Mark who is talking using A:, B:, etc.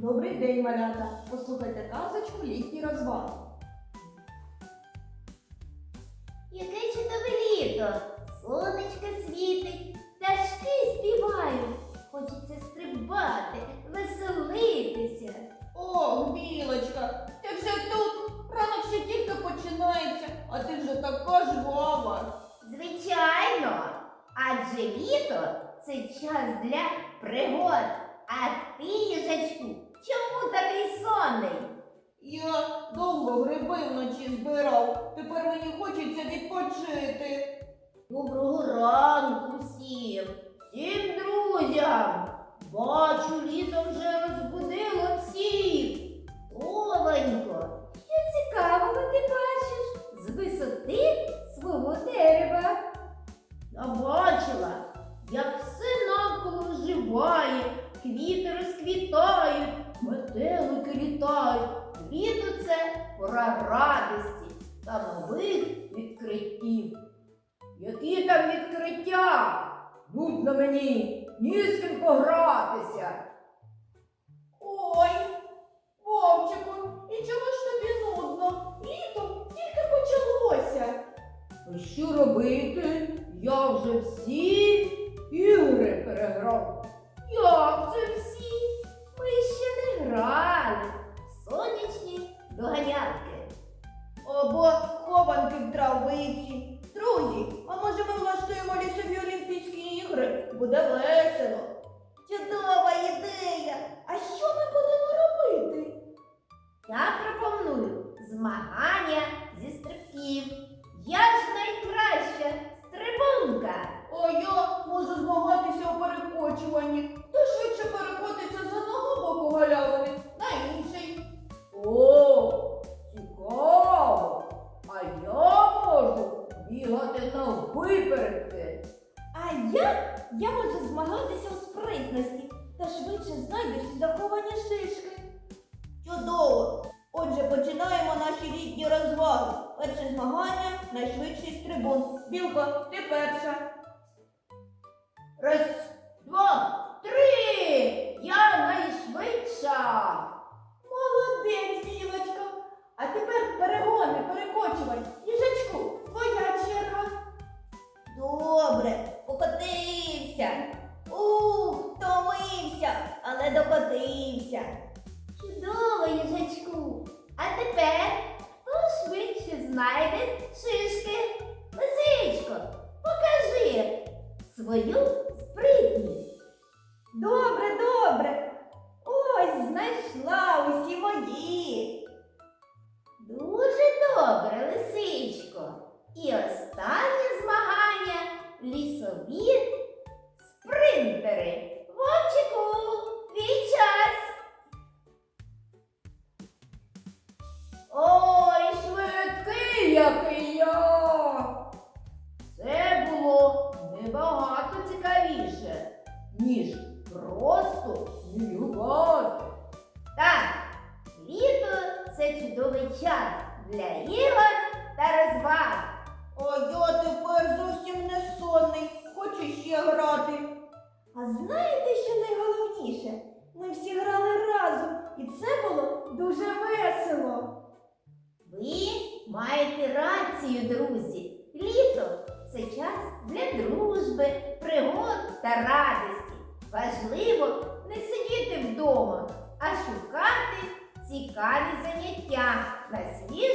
A: Добрий день, малята! Послухайте казочку «Літній розваг».
B: Яке чудове літо! Сонечко світить, пташки співають. Хочеться стрибати, веселитися.
A: Ох, Білочка, ти вже тут? Ранок ще тільки починається, а ти вже така жвава.
B: Звичайно, адже літо – це час для пригод. А ти, їжачку, чому такий сонний?
A: Я довго гриби вночі збирав, тепер мені хочеться відпочити.
B: Доброго ранку всім друзям! Бачу, літо вже розбудило всіх. Товенько, що цікавого ти бачиш з висоти свого дерева? Я бачила, як все навколо оживає, квіти розквітають, метелики літають. Літо – це пора радості та нових відкриттів. Які там відкриття? Нудно мені, ні з ким погратися.
A: Ой, Вовчику, і чому ж тобі нудно? Літо тільки почалося.
B: А що робити? Я вже всі ігри переграв. Як це всі? Ми ще не грали в сонячні доганялки.
A: Або хованки в травиці. Друзі, а може ми влаштуємо лісові Олімпійські ігри? Буде весело. Чудова ідея! А що ми будемо робити?
B: Я пропоную змагання зі стрибків. Я ж найкраща стрибунка.
A: А я можу змагатися у перекочуванні. Хто швидше перекотиться з одного боку галявини на інший.
B: О, цікаво! А я можу бігати на випередки.
A: А я можу змагатися у спритності та швидше знайдеш заховані шишки. Чудово! Отже, починаємо наші літні розваги. Перше змагання – найшвидший стрибун. Білко, ти перша.
B: Раз, два, три! Я найшвидша!
A: Молодець, Білочка! А тепер перегони, перекочувань. Їжачку, твоя черга. Добре, покотився. Втомився, але докотився.
B: Чудово, їжачку! А тепер хто швидше знайде шишки? Лисичко, покажи свою спритність.
A: Добре, добре. Ось знайшла усі мої.
B: Дуже добре, лисичко. І останнє змагання – лісові спринтери. Вовчику, твій час! Ой, швидкий, який я! Це було набагато цікавіше, ніж просто мігати. Так, літо – це чудовий час для ігор та розваг.
A: А я тепер зовсім не сонний. Хочу ще грати. А знаєте, що найголовніше? Ми всі грали разом, і це було дуже весело.
B: Ви маєте рацію, друзі. Літо – це час для дружби, пригод та радості. Важливо не сидіти вдома, а шукати цікаві заняття на свіжому